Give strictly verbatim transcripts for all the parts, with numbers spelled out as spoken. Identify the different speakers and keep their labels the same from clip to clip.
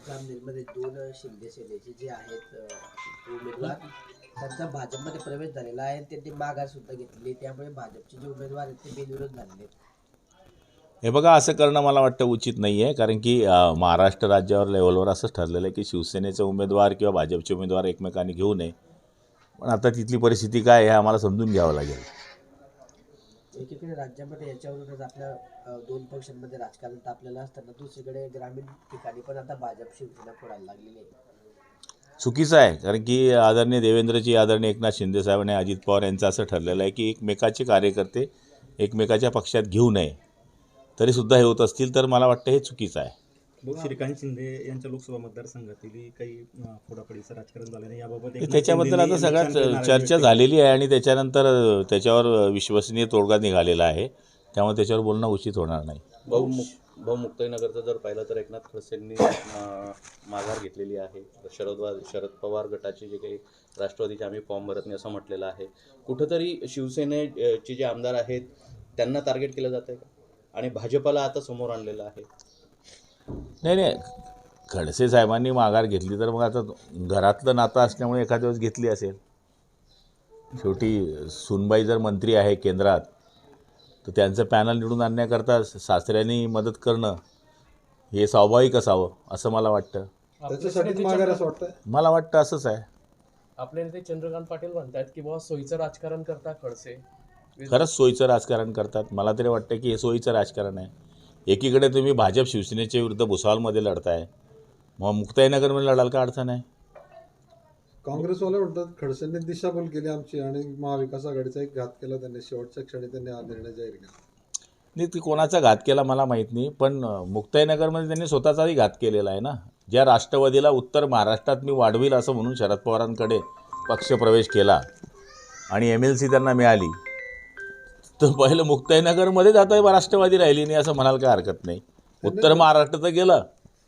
Speaker 1: जामनेरमध्ये दोन शिंदे सेनेचे जे आहेत उमेदवार त्यांचा भाजपमध्ये प्रवेश झालेला आहे, त्यांनी माघार सुद्धा घेतली, त्यामुळे भाजपचे जे उमेदवार आहेत ते बिनविरोध झालेले आहेत.
Speaker 2: हे बघा, असं करणं मला वाटतं उचित नाही आहे, कारण की महाराष्ट्र राज्यावर लेवलवर असंच ठरलेलं आहे की शिवसेनेचे उमेदवार किंवा भाजपचे उमेदवार एकमेकांनी घेऊ नये. पण आता तिथली परिस्थिती काय आहे हे आम्हाला समजून घ्यावं लागेल.
Speaker 1: एकीकडे राज्यामध्ये याच्यावरूनच आपल्या दोन पक्षांमध्ये राजकारण तापलेलं असताना दुसरीकडे ग्रामीण ठिकाणी पण आता भाजप शिवसेना फोडायला लागलेली आहे.
Speaker 2: चुकीचं आहे, कारण की आदरणीय देवेंद्रजी, आदरणीय एकनाथ शिंदेसाहेब आणि अजित पवार यांचं असं ठरलेलं आहे की एकमेकाचे कार्यकर्ते एकमेकाच्या पक्षात घेऊ नये. तरीसुद्धा हे होत असतील तर मला वाटतं हे चुकीचं आहे.
Speaker 3: श्रीकांत शिंदे यांच्या लोकसभा मतदारसंघातील काही फोडाफोडीचं राजकारण झालं नाही, याबाबत
Speaker 2: त्याच्याबद्दल आता सगळ्यात चर्चा झालेली आहे आणि त्याच्यानंतर त्याच्यावर विश्वसनीय तोडगा निघालेला आहे, त्यामुळे त्याच्यावर बोलणं उचित होणार नाही.
Speaker 4: भाऊ भाऊ मुक्ताईनगरचं जर पाहिलं तर एकनाथ खडसेंनी माघार घेतलेली आहे. शरद शरद पवार गटाचे जे काही राष्ट्रवादीचे आम्ही फॉर्म भरत नाही असं म्हटलेलं आहे. कुठंतरी शिवसेनेचे जे आमदार आहेत त्यांना टार्गेट केलं जातं आहे का, आणि भाजपला आता समोर आणलेलं आहे?
Speaker 2: नाही नाही, खडसे साहेबांनी माघार घेतली तर मग आता घरातलं नातं असल्यामुळे एखाद्या दिवस घेतली असेल. शेवटी सुनबाई जर मंत्री आहे केंद्रात तर त्यांचं पॅनल निवडून आणण्याकरता सासऱ्यांनी मदत करणं हे स्वाभाविक असावं असं मला वाटतं.
Speaker 5: त्याच्यासाठी माघार असं वाटतं,
Speaker 2: मला वाटतं असंच आहे.
Speaker 6: आपले नेते चंद्रकांत पाटील म्हणतात की बाबा सोयीचं राजकारण करता खडसे.
Speaker 2: खरंच सोयीचं राजकारण करतात. मला तरी वाटतं की हे सोयीचं राजकारण आहे. एकीकडे तुम्ही भाजप शिवसेनेच्या विरुद्ध भुसावळमध्ये लढताय, मग मुक्ताईनगरमध्ये लढाल का अडचण आहे?
Speaker 5: काँग्रेसवाले म्हणतात खडसेंनी दिशाभूल केली आमची आणि महाविकास आघाडीचा एक घात केला त्यांनी. शेवटच्या क्षणी त्यांनी हा निर्णय जाहीर केला.
Speaker 2: नाही, ती कोणाचा घात केला मला माहीत नाही, पण मुक्ताईनगरमध्ये त्यांनी स्वतःचाही घात केलेला आहे ना. ज्या राष्ट्रवादीला उत्तर महाराष्ट्रात मी वाढवील असं म्हणून शरद पवारांकडे पक्षप्रवेश केला आणि एम एल सी त्यांना मिळाली, तर पहिलं मुक्ताईनगरमध्येच आता राष्ट्रवादी राहिली नाही असं म्हणाल काय हरकत नाही. उत्तर महाराष्ट्र तर गेलं.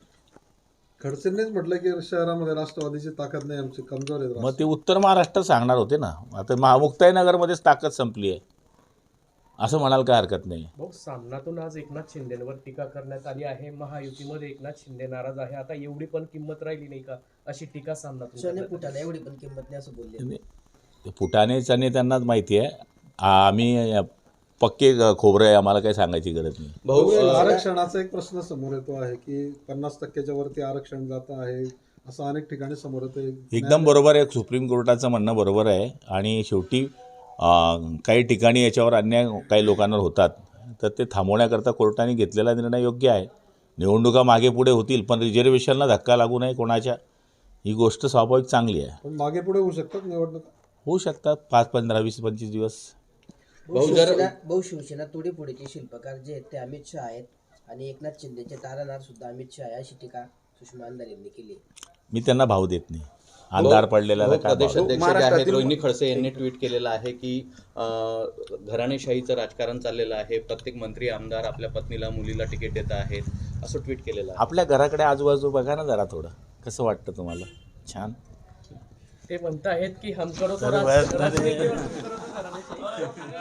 Speaker 5: खडसेंनीच म्हटलं की शहरामध्ये राष्ट्रवादीची ताकद नाही, आमची कमजोर आहे.
Speaker 2: मग ते उत्तर महाराष्ट्र सांगणार होते ना. आता महा मुक्ताईनगरमध्येच ताकद संपली आहे असं म्हणाल काय हरकत नाही.
Speaker 6: भाऊ, सामनातून आज एकनाथ शिंदेवर टीका करण्यात आली आहे. महायुतीमध्ये एकनाथ शिंदे नाराज आहे. आता एवढी पण किंमत राहिली नाही का अशी टीका सामनातून
Speaker 1: फुटाला एवढी पण किंमत नाही असं बोलले.
Speaker 2: फुटाणेच आणि त्यांनाच माहिती आहे. आम्ही पक्के खोबरं आहे, आम्हाला काही सांगायची गरज नाही.
Speaker 5: भाऊ, आरक्षणाचा एक प्रश्न समोर येतो आहे की पन्नास टक्क्याच्या वरती आरक्षण जात आहे असं अनेक ठिकाणी समोर येतं.
Speaker 2: एकदम बरोबर आहे, सुप्रीम कोर्टाचं म्हणणं बरोबर आहे. आणि शेवटी काही ठिकाणी याच्यावर अन्याय काही लोकांवर होतात, तर ते थांबवण्याकरता कोर्टाने घेतलेला निर्णय योग्य आहे. निवडणुका मागे पुढे होतील पण रिझर्वेशनला धक्का लागू नये कोणाच्या, ही गोष्ट स्वाभाविक चांगली आहे.
Speaker 5: पण मागे पुढे होऊ शकतात निवडणुका,
Speaker 2: होऊ शकतात पाच पंधरा वीस पंचवीस दिवस.
Speaker 1: भाऊ, शिवसेना तोडीफोडीचे शिल्पकार जे आहेत ते अमित शहा आहेत आणि एकनाथ शिंदेचे तारणादार सुद्धा अमित शहा आहे अशी टीका सुषमा अंधार यांनी केली.
Speaker 2: मी त्यांना भाव देत नाही. अंधार पडलेला
Speaker 4: प्रदेशाध्यक्ष जे आहेत रोहिणी खडसे यांनी ट्विट केलेलं आहे की घराणेशाहीचं राजकारण चाललेलं आहे, प्रत्येक मंत्री आमदार आपल्या पत्नीला मुलीला तिकीट देत आहेत असं ट्विट केलेलं आहे.
Speaker 2: आपल्या घराकडे आजूबाजू बघा ना जरा, थोडं कसं वाटतं तुम्हाला? छान.
Speaker 6: ते म्हणत आहेत की हम करो तो राज-